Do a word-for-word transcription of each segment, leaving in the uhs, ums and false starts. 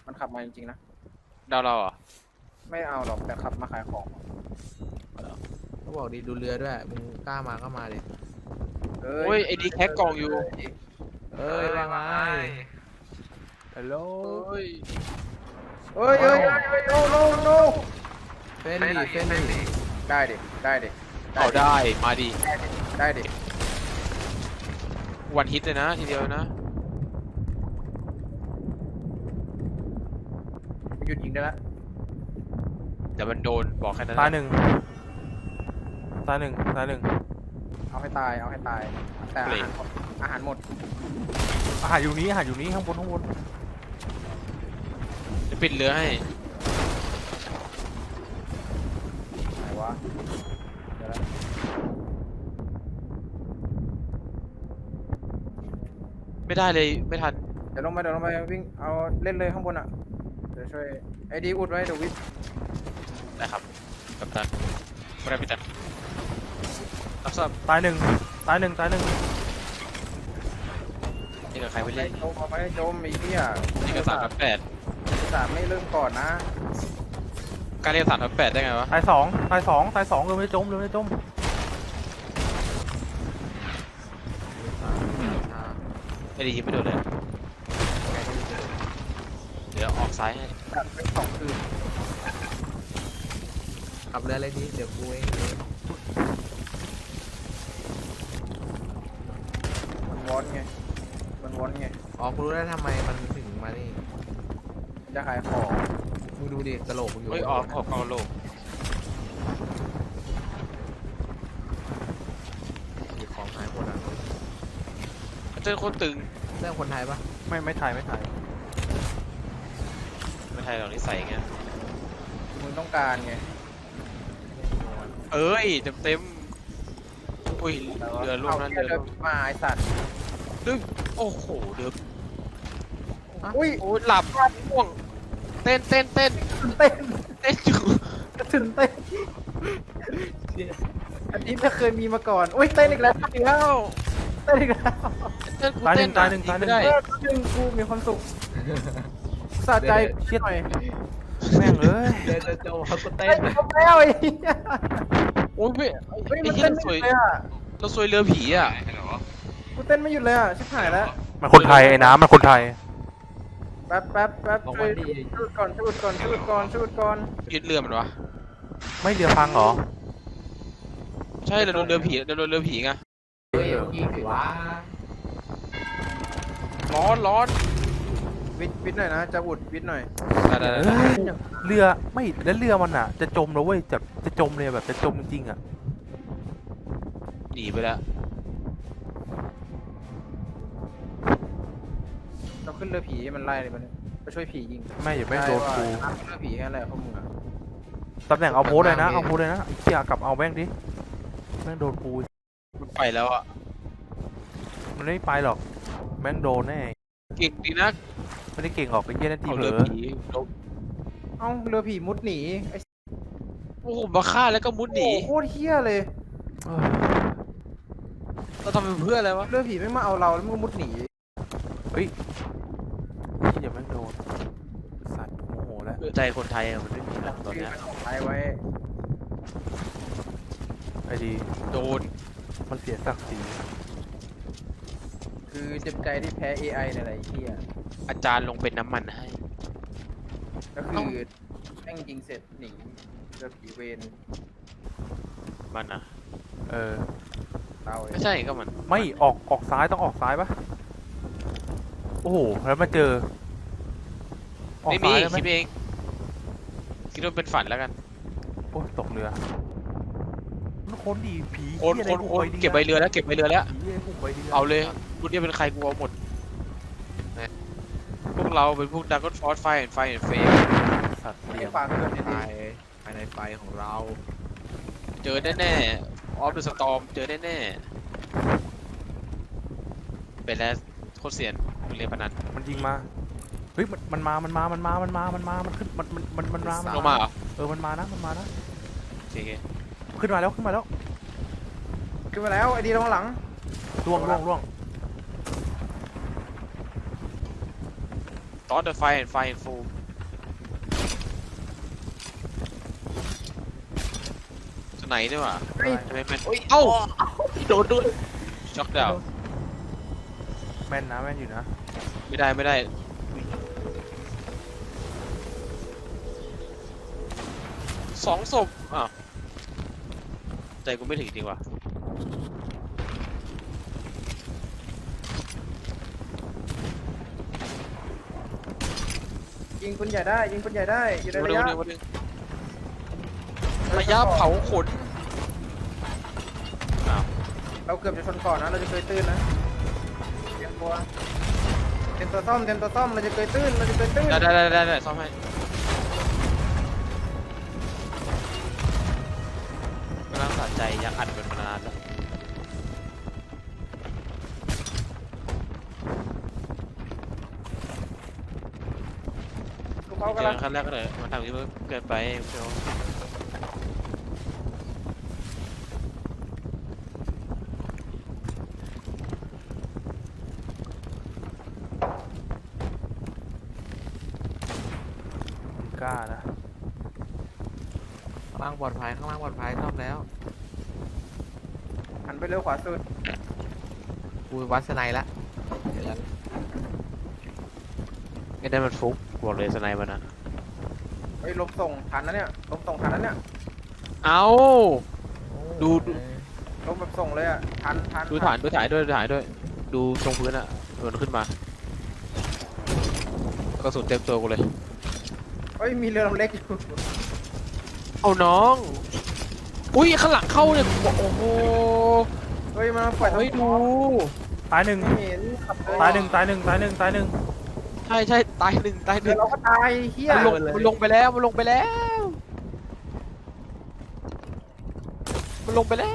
มันขับมาจริงๆนะดาวเราเหรอไม่เอาหรอกแต่ขับมาขายของเขาบอกดีดูเรือด้วยมึงกล้ามาก็มาดิเอ้โอ้ยไอ้ดีแคกกล่องอยู่เอ้ยว่าไงฮัลโหลเฮ้ยเอ้ยเอ้ยเอ้ยเอ้ยโนโนโนเฟ้นดิเฟ้นดิได้ดิได้ดิเอาได้มาดิได้ดิวันฮิตเลยนะทีเดียวนะหยุดยิงได้ละแต่มันโดนบอกแค่นั้นตายหนึ่งตายหนึ่งตายหนึ่งเอาให้ตายเอาให้ตายแต่อาหารหมดอาหารหมดอาหารอยู่นี้อาหารอยู่นี้ข้างบนข้างบนจะปิดเรือให้ไหนวะเดี๋ยวละไม่ได้เลยไม่ทันเดี๋ยวลงไปเดี๋ยวลงไปวิ่งเอาเล่นเลยข้างบนอ่ะเดี๋ยวช่วยไอ้ดีอุดไว้เดี๋ยววิทได้ครับกัปตันไม่ได้พิตันรับทราบตายหนึ่งตายหนึ่งตายหนึ่งนี่กับใครไปไม่เล่นโจมเอาไม่ได้โจมไอ้เหี้ยนี่กับสามทับแปดสามไม่เริ่มก่อนนะการเรียกสามทับแปดได้ไงวะตายสองตายสองตายสองเลยไม่จมเลยไม่จมไอ้ดียิงไม่โดนเลยเดี๋ยวออกซ้ายให้กัดไปสองคืนขับเรืออะไรดีเดี๋ยวกูเองมันวอนไงมันวอนไงอ๋อกูรู้แล้วทำไมมันถึงมานี่มันจะขายของมึงดูดิกระโหลกมึงอยู่เฮ้ยออกออกกองโลกมีของหายหมดอ่ะเจอโคตรตึงเรื่องคนไทยปะไม่ไม่ถ่ายไม่ถ่ายไม่ไทยหรอกนิสัยไงมึงต้องการไงเอ้ยเต็มเต็มอุ้ยเรือล่วงเอานั่นเรือเรือมาไอสัตว์ดึงโอ้โหเรืออุ้ยโอ้ยหลับง่วงเต้นเต้นเต้นเต้นเต้นอยู่ถึงเต้นอันนี้ไม่เคยมีมาก่อนอุ้ยเต้นอีกแล้วแล้วเต้นอีกแล้วเต้นกูตายหเต้นึ่นงตายหนึ่งตายหนึ่งไม่ได้เออดึงกูมีความสุขสะใจคิดหน่อยแม่งเอ้ยเดินจะโจเขาก็เต้เต้นนเขาแล้วไอ้เหี้ยโอ้ยไม่เฮ้ยไอ้มันเหี้ยเต้นเราไม่ซหวยยุดเลยอ่ะเราซวยเรือผีอ่ะกูเต้นไม่หยุดเลยอ่ะชิบหายแล้วมันคนไทยไอ้น้ำมันคนไทยแป๊บแป๊บแป๊บบอกช่วว่าย ดีชุดก่อนชุดก่อนชุดก่อนชุดก่อนยึดเรือมันวะไม่เรือพังเหรอใช่เราโดนเรือผีเราโดนเรือผีไงเฮ้ยยิงสิวะร้อนร้อนวิทวิทหน่อยนะจะอุดวิทหน่อยได้ได้เอ้ได้ยเรือไม่แล้วเรือมันอ่ะ จะจมแล้วเว้ยจะจะจมเลยแบบจะจมจริงๆอ่ะหนีไปแล้วเราขึ้นเรือผีให้มันไล่เลยมันไปช่วยผียิงไม่อย่าแม่งโดนกูได้ว่าเรือผีแค่ไหนพวกมึงอ่ะตำแหน่งเอาโพสเลยนะเอาโพสเลยนะไอ้เชี่ยกลับเอาแม่งดิแม่งโดนกูมันไปแล้วอ่ะมันไม่ไปหรอกแม่งโดนแน่เก่งดีนะไม่ได้เก่งหรอกไอ้เหี้ยนั่นทีเอาเผลเรืออผีลงเอ้าเรือผีมุดหนีไอ้โอ้โหมาฆ่าแล้วก็มุดหนีโอ้โคตรเฮี้ยเลยเออเราทำเป็นเพื่ออะไรวะเรือผีไม่มาเอาเราแล้วมึงก็มุดหนีเฮ้ยเชี่ยแม่งโดนสัตว์โมโหแล้วใจคนไทยอะมันไม่มีหรอกตอนชื่อเนี้ยมันของไว้ไว้ไอ้ดีโดนมันเสียศักดิ์ศรีคือเจ็บใจที่แพ้ เอ ไอ เนี่ยแหละไอ้เฮี้ยอาจารย์ลงเป็นน้ำมันให้ก็คือแม่งยิงเสร็จหนีเรือผีเวนมันอ่ะเออเราเองไม่ใช่ก็มันไม่ออกออกซ้ายต้องออกซ้ายปะโอ้โหแล้วมาเจอออกไม่มีซ้ายได้ไหมคิดเองคิดว่าเป็นฝันแล้วกันโอ้ยตกเรือมันคนดีผีโอนเหี้ยโอนอะไรโอนดีเก็บใบเรือแล้วเก็บใบเรือแล้วผีอะไรพวกใบดีเอาเลยรุ่นนี้เป็นใครกูเอาหมดเนี่ยพวกเราเป็นพวกดักก็ฟอสไฟไฟแอนเฟมสัตว์ไม่เลี้ยงฝากเพื่อนไปดีภายในไฟของเราเจอแน่ๆออฟเดอะสตอมเจอแน่ๆเป็นแล้วโคตรเสียนเป็นเรียนพนันมันยิงมาเฮ้ยมันมันมามันมามันมามันมามันมามันขึ้นมันมันมันมันมามันลงมาเหรอเออมันมานะมันมานะโอเคขึ้นมาแล้วขึ้นมาแล้วๆขึ้นมาแล้วไอ้ดีลงหลังล่วงล่วงล่วงตอนเดอะไฟแอนไฟแอนฟูมไหนเนี่ยว่ะเฮ้ยทำไมแม่นโอ้ยเอ้าโดนด้วยช็อกดาวน์แม่นนะแม่นอยู่นะไม่ได้ไม่ได้สองศพอ่ะใจกูไม่ถึงจริงว่ะยิงปืนใหญ่ได้ยิงปืนใหญ่ได้อยู่ในมาระดูยะดูมาดูระยะเผาขนอ้าวเราเกือบจะชนก่อนนะเราจะเคยตื้นนะเตรียมตัวเตรียมตัวซ่อมเตรียมตัวซ่อมเราจะเคยตื้นเราจะเคยตื้นได้ได้ได้ได้ได้ซ่อมให้กำลังสะใจยังอัดกันมานานแล้วลูกเขาเจกำลัอง ขั้นแรกก็เลยมันทำที่มันเกินไปเชียวมึงกล้านะข้างล่างปลอดภัยข้างล่างปลอดภัยซ่อมแล้วหันไปเร็วขวาสุดกูวัดสไนละเดี๋ยวแล้วไอ้นั่นมันฟุกบอกเลยสไนมันนะเฮ้ยลบส่งทันนะเนี่ยลบส่งทันนะเนี่ยเอา ดูดูลบแบบส่งเลยอ่ะทันทันดูฐานดูฐานด้วยดูฐานด้วย ดูตรงพื้นอ่ะมันขึ้นมากระสุนเต็มตัวกูเลยเฮ้ยมีเรือลำเล็กอยู่เอาน้อง อุ้ยข้างหลังเข้าเนี่ยโอ้โหเฮ้ยมันปล่อยเฮ้ยดูตายหนึ่งไม่เห็นขับเลยตายหนึ่งตายหนึ่งตายหนึ่งตายหนึ่งใช่ใช่ตายหนึ่งตายหเดี๋นึ่ยวงเราก็ตายเฮียมันลงมันลงไปแล้วมันลงไปแล้ว มันลงไปแล้ว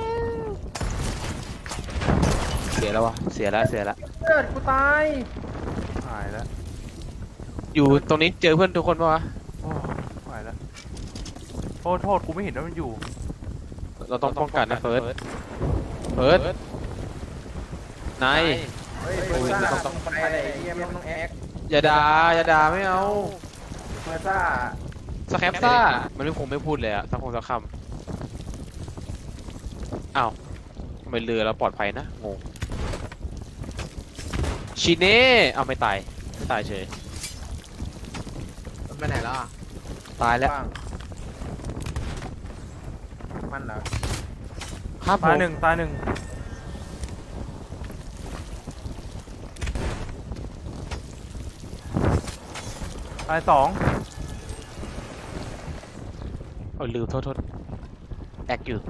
เสียแล้ววะเสียแล้วเสียแล้วเกิดกูตายหายแล้วอยู่ตรงนี้เจอเพื่อนทุกคนปะวะโอ้หายแล้วโทษโทษกูไม่เห็นว่ามันอยู่เราต้องป้องกันนะเฟิร์สเฟิร์สนายเฮ้ยเบอร์ซ่าต้องไปไหนเฮียไม่ต้องแอคอย่าด่าอย่าด่าไม่เอาเบอร์ซ่าสแคปซ่ามันไม่คงไม่พูดเลยอะสักคงสักคำอ้าวทำไมเรือเราปลอดภัยนะงงชิเน่เอาไม่ตายไม่ตายเฉยมันไปไหนแล้วอ่ะตายแล้วว่างมันเหรอครับผตายมหนึ่งตายหนึ่งตายสองเออลืมโทษโทษแอคอยู่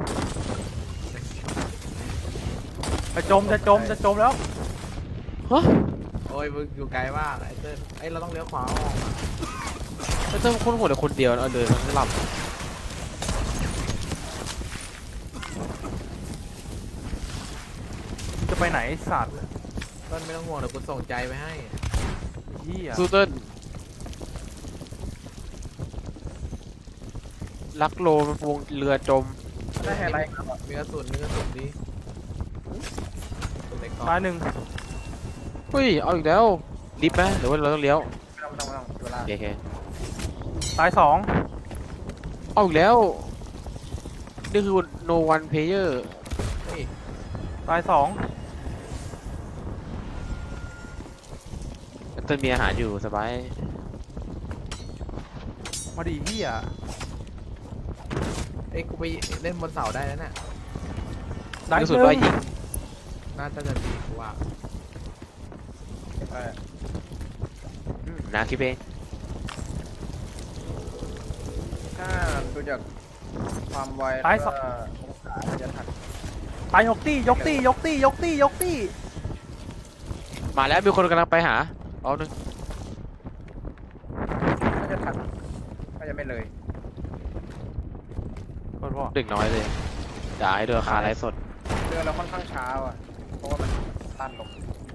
จะจมจะจมจะจมแล้วฮะโอ้ยมึงอยู่ไกลมากไอ้เต้นไอ้ยเราต้องเลี้ยวขวาออกมาแล้วต้องคนหัวแต่คนเดียวเอาเดินทั้งลจะไปไหนไอ้สัตว์ต้นไม่ต้องห่วงเดี๋ยวกูส่งใจไปให้เหี้ยำซูเติ้ลลักโลมันวงเรือจมได้ไฮไลท์มีกระสุนมีกระสุนดีตัวเล็กก่อนตายหนึ่งเฮ้ยเอาอีกแล้วรีบไหมหรือว่าเราต้องเลี้ยวไม่ต้องไม่ต้องไม่ต้องเวลาโอเคตายสองเอาอีกแล้วนี่คือ no one player เฮ้ยตายสองเติ้ลมีอาหารอยู่สบายมาดิเหี้ยเอ้ยกูไปเล่นบนเสาได้แล้วเนี่ยได้กระหสุนนึ่ว่าง ยิงน่าจะจะดีกูว่าเอออืมนาคิดเองถ้าดูจากความไวแล้วก็องศาจะทันตายยกตี้ยกตี้ยกตี้ยกตี้ยกตี้มาแล้วมีคนกำลังไปหาเอาหนึ่งก็จะทันก็จะไม่เลยโทษพ่อเด็กน้อยเลยด่าให้ด้วยราคาไร้สดเรือเราค่อนข้างช้าอ่ะเพราะว่ามันตันลง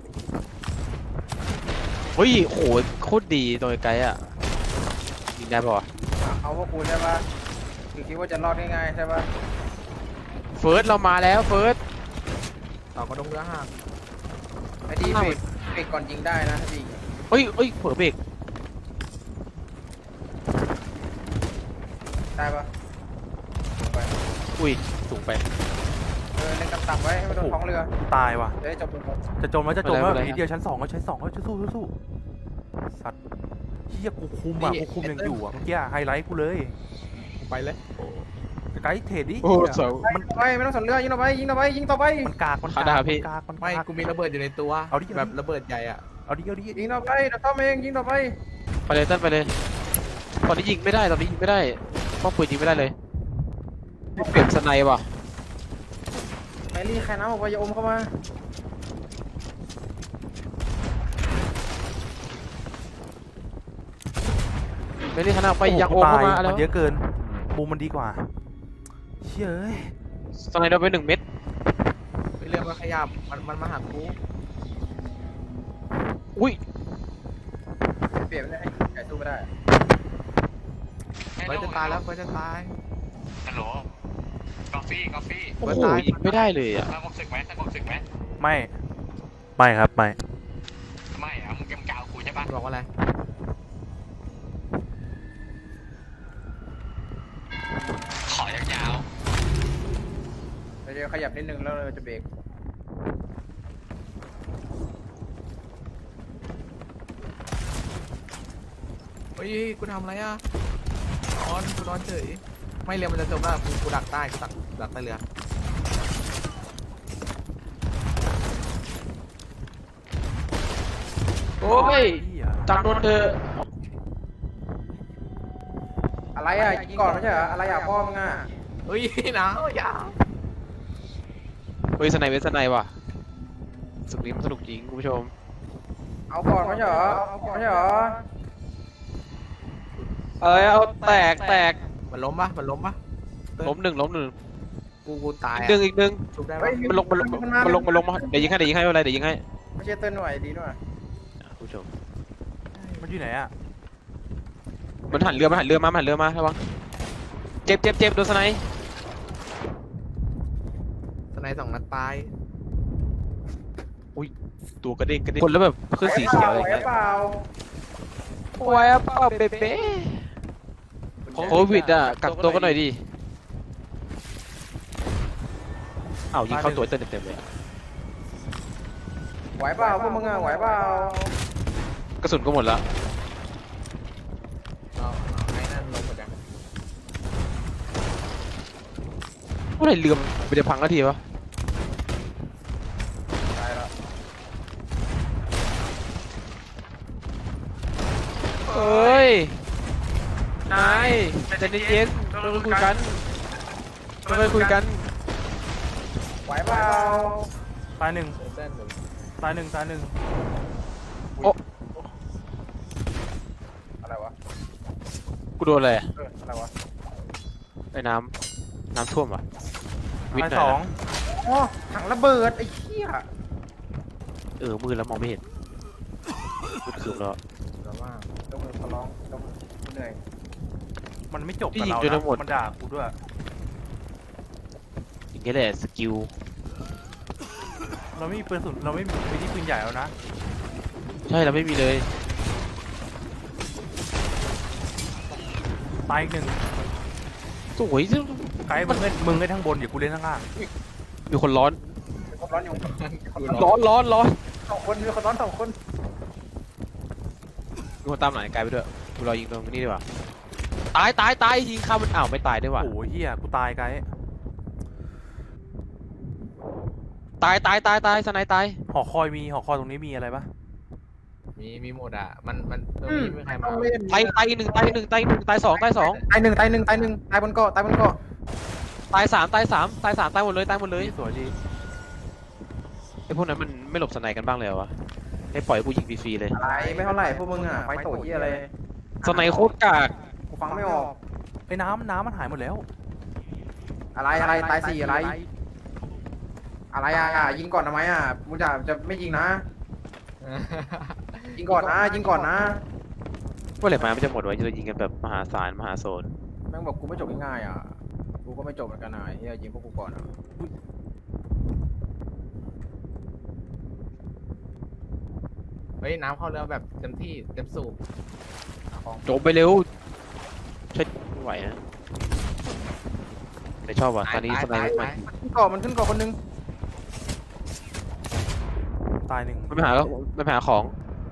เฮ้ยโหโคตรดีตัวไกลๆอ่ะยิงได้ป่ะวะเอาพวกกูใช่ปะคือคิดว่าจะรอดง่ายๆใช่ปะเฟิร์สเรามาแล้วเฟิร์สเสากระดงเรือหักไอ้ที่เบรกเบรกก่อนยิงได้นะถ้ายิงเฮ้ยเฮ้ยเผลอเบรกได้ปะลงไปอุ้ยสูงไปเออเล่นต่ำๆไว้ให้มันโดนท้องเรือตายว่ะเดี๋ยวจบเลยจะจมแล้วจะจมไม่แล้วเป็นไรนิดเดียวชั้นสองก็ชั้นสองก็จะสู้สู้สู้สัตว์เฮียกูคุมอ่ะกูคุมยังอยู่อ่ะเมื่อกี้ไฮไลท์กูเลยไปเลยไกด์เทรดดิโอ้เสามันไปไม่ต้องสนเรือยิงต่อไปยิงต่อไปยิงต่อไปมันกากมันขาากดาบพี่มันกากมันไม่กากกูมีระเบิดอยู่ในตัวเอาดิแบบระเบิดใหญ่อ่ะเอาดิเอาดิยิงต่อไปเดี๋ยวต้อมเองยิงต่อไปไปเลยเต้นไปเลยตอนนี้ยิงไม่ได้ตอนนี้ยิงไม่ได้ป้อมปืนยิงไม่ได้เลยเปลี่ยนสไนป์ว่ะแมรี่ใครน้ำออกไปอย่าอมเข้ามาไม่ได้ขนาดไปยังโอโอ้เข้าโหมาตายแล้มัวนเยอะเกินบูมมันดีกว่าเชี่ยเอ้ยสไนป์โดนไปหนึ่งเม็ดไม่เรื่องมาขยับมันมันมาหากูอุ้ยเปลี่ยนไม่ได้ให้ไก่สู้ไม่ได้เฟิร์สจะตายแล้วเฟิร์สจะตายฮัลโหลกาแฟกาแฟโอ้โหยิงไม่ได้เลยอ่ะสงบศึกไหมสงบศึกไหมไม่ไม่ครับไม่ไม่อะมึงยังกาวกูใช่ปะบอกว่าอะไรขอยาวเดี๋ยวขยับนิดนึงแล้วเราจะเบรกเฮ้ยกูทำอะไรอ่ะนอนกูนอนเฉยไม่เรือมันจะจมแล้วกูกูดักใต้กูดักดักใต้เรือโอ้ยเหี้ยจังโดนเธออะไรอ่ะยิงก่อนไม่ใช่เหรออะไรอ่ะพ่อมึงอ่ะเฮ้ยนะอย่าเฮ้ยสไนป์เวสสไนป์ว่ะสึกนี้มันสนุกจริงคุณผู้ชมเอาก่อนไม่ใช่เหรอเอาก่อนไม่ใช่เหรอเอ้ยเอาแตกแตกมันล้มปะมันล้มปะล้มหนึ่งล้มหนึ่งกูกูตายอีกอ่ะหนึ่งอีกหนึ่งชุบได้เฮ้ปะยมันลงมันลงมันลงมันลงมาเดี๋ยวยิงให้เดี๋ยวยิงให้ไม่เป็นไรเดี๋ยวยิงให้ไม่ใช่เต้นหน่วยดีหน่อยคุณผู้ชมมันอยู่ไหนอ่ะมันหันเรือมันหันเรือมามันหันเรือมาระวังเจ็บเจ็บเจ็บโดนสไนป์สไนด์สองนัดตายตัวกระเด้งกระเด้งคนแล้วแบบขึ้นสีเขียวอะไรอย่างเงี้ยเปล่าโอ้ยอ่ะเปล่าเป๊ะโควิดอ่ะกักตัวกันหน่อยดิอ้าวยิงเข้าตัวเต็มเต็มเลยอะไหวเปล่าพวกมึงอ่ะไหวเปล่ากระสุนก็หมดแล้วเอาเอาไอ้นั่นลงหมดยังเมื่อไหร่เรือมันจะพังนาทีวะตายแล้วเอ้ยนายใจเย็นๆเราไปคุยกันเราไปคุยกันไหวเปล่าตายหนึ่งเส้นๆเดี๋ยวตายหนึ่งตายหนึ่งอะไรวะกูโดนอะไรอะเอออะไรวะไอ้น้ำน้ำท่วมวะวิทตายย์ไหนสองนะอ๋อถังระเบิดไอ้เหี้ยเออมือแล้วมองไม่เห็นมืดคืมแล้วเดี๋ยวว่าลงมือขอร้องลงมือเหนื่อยมันไม่จบกับนี่ยิงเราจนทั้งหมดนะมันด่ากูด้วยอย่างเงี้ยแหละสกิลเราไม่มีปืนสุนเราไม่มีวิธีปืนใหญ่แล้วนะใช่เราไม่มีเลยตายอีกหนึ่งสวยจังไกด์มึงเล่นมึงเล่นทั้งบนเดี๋ยวกูเล่นข้างล่างมีคนร้อนมีคนร้อนอยู่กูร้อนร้อนร้อนสองคนมีคนร้อนสองคนมีคนตามหลังไอ้ไกลไปด้วยกูรอยิงตรงนี้ดีกว่าตายตายตายยิงเข้ามันอ้าวไม่ตายด้วยว่ะโอ้โหเฮียกูตายไกด์ตายตายตายตายสไนตายหอคอยมีหอคอยตรงนี้มีอะไรปะมีมีหมดอ่ะมันมันตรงอืมนี้ไม่มีใครมาต้องเล่นตายตายหนึ่งตายหนึ่งตายหนึ่งตายสองตายสองตายหนึ่งตายหนึ่งตายหนึ่งตายบนเกาะตายบนเกาะตายสามตายสามตายสามตายหมดเลยตายหมดเลยสวยดีไอ้พวกนั้นมันไม่หลบสไนกันบ้างเลยเหรอวะให้ปล่อยกูยิงฟรีๆเลยอะไรไม่เท่าไหร่พวกมึงอ่ะไฟโตเยี่ยอะไรสไนโคตรกากกูฟังไม่ออกไอ้น้ำน้ำมันหายหมดแล้วอะไรอะไรตายสี่อะไร อะไรอ่ะยิงก่อนทำไมอ่ะมึงจะจะไม่ยิงนะ ยิงก่อนนะยิงก่อนนะเมื่อไหร่มามันจะหมดวะจะยิงกันแบบมหาศาลมหาโซนแม่งบอกกูไม่จบง่ายๆอ่ะกูก็ไม่จบเหมือนกันนะเฮียยิงพวกกูก่อนอ่ะเฮ้ยน้ำเข้าเรือแบบเต็มที่เต็มสูบจบไปเร็วใช่ไม่ไหวนะใจไม่ชอบว่ะตอนนี้สไนเปอร์มันขึ้นเกาะมันขึ้นเกาะคนนึงตายหนึ่งมันไปหามันไปหาของ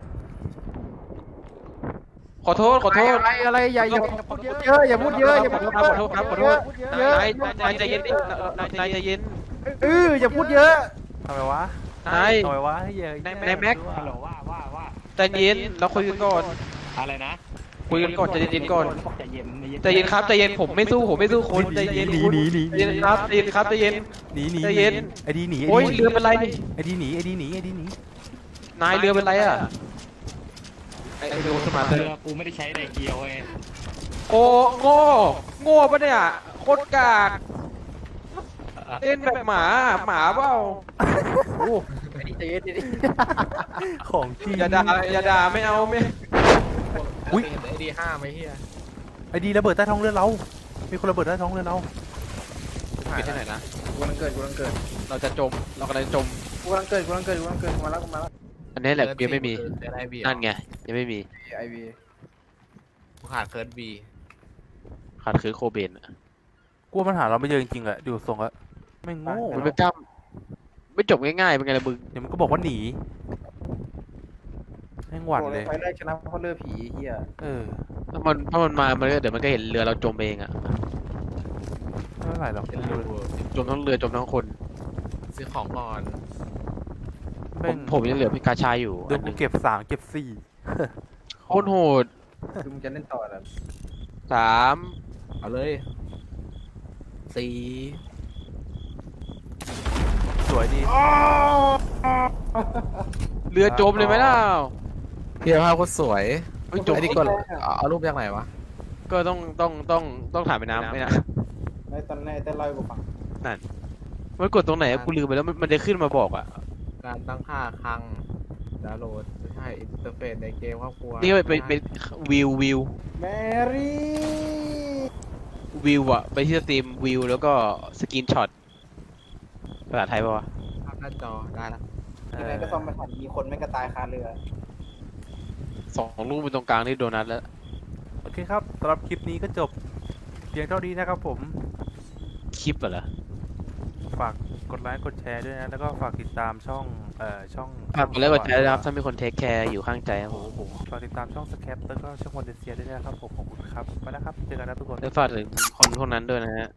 ขอโทษขอโทษอะไรอะไรอย่าอย่าพูดเยอะอย่าพูดเยอะอย่าพูดเยขออะโทษครับขอโทษเยอะนายนายใจเย็นดินายนายใจเย็นเอออย่าพูดเยอะทำไมวะนายทำไมวะให้เยอะนายแม็กฮัลโหลว่าว่าว่าใจเย็นเราคุยกันก่อนอะไรนะคุยกันก่อนใจเย็นๆก่อนใจเย็นใจเย็นครับใจเย็นผมไม่สู้ผมไม่สู้คนใจเย็นหนีหนีหนีใจเย็นครับใจเย็นครับใจเย็นหนีหนีใจเย็นไอ้ดีหนีโอ้ยเรือเป็นไรไอ้ดีหนีไอ้ดีหนีไอ้ดีหนีนายเรือเป็นไรอ่ะไอ้ไอ้เรือสมาร์ทเรือกูไม่ได้ใช้ไดเกียวไงโอ้โง่โง่ปะเนี่ยโคตรกากเล่นแบบหมาหมาเปล่าโอ้ใจเย็นดิของจริงอย่าด่าอย่าด่าไม่เอาไม่อุ๊ยเห็นไอ้ดีห้าไหมเฮียไอ้ดีระเบิดใต้ท้องเรือเรา มีคนระเบิดใต้ท้องเรือเราปิดที่ไหนนะกูกำลังเกิดกูกำลังเกิดเราจะจมเรากำลังจะจมกูกำลังเกิดกูกำลังเกิดกูกำลังเกิดมาแล้วกูมาแล้วอันนี้แหละยังไม่มีเกิดไอบีนั่นไงยังไม่มีไอวีกูขาดเคิร์ดบีขาดคือโคเบนอะกลัวมันหาเราไม่เจอจริงๆแหละดูทรงอะไม่งโง่มันไม่กล้าไม่จบง่ายๆเป็นไงล่ะมึงเดี๋ยวมันก็บอกว่าหนีแม่งหวั่นเลยไฟแรกชนะเพราะเลือผีเฮียเออถ้ามันถ้ามันมามันก็เดี๋ยวมันก็เห็นเรือเราจมเองอะไม่เป็นไรหรอกเป็นรูจมทั้งเรือจมทั้งคนซื้อของก่อนผแม่มงผมยังเหลือพิกาชายอยู่เดี๋อัยวนหกูนึ่งเก็บสามเก็บสี่โคตรโหดคือมึงจะเล่นต่อแล้วสามเอาเลยสี่สวยดีเรือจมเลยไหมล่ะเพียภาพโคตรสวยเฮ้ยจมไอ้นี่กดเอาเอารูปจากไหนวะก็ต้องต้องต้องต้องถ่ายไปน้ำไม่นะในตอนในแต่ลอยกูฟังมันกดตรงไหนอะกูลืมไปแล้วมันมันจะขึ้นมาบอกอะการตั้งค่าคลังดาวน์โหลดใช่อินเทอร์เฟซในเกมครอบครัวนี่ไปไปวิววิวแมรี่วิวอะไปที่สตรีมวิวแล้วก็สกรีนช็อตภาษาไทยป่าวะภาพหน้าจอได้ละที่ไหนก็ซ่อมไม่ทันมีคนไม่กระตายคาเรือสองลูกเป็นตรงกลางนี่โดนัทแล้วโอเคครับสำหรับคลิปนี้ก็จบเพียงเท่านี้นะครับผมคลิปอะเหรอฝากกดไลค์กดแชร์ด้วยนะ แล้วก็ฝากติดตามช่อง เอ่อ ช่องฝากกดไลค์กดแชร์นะครับถ้ามีคนเทคแคร์อยู่ข้างใจครับผมฝากติดตามช่องสแคปแล้วก็ช่องวันเดเซียด้วยนะครับผมขอบคุณครับไปแล้วครับ เจอกันนะทุกคนแล้วฝากถึงคนพวกนั้นด้วยนะฮะ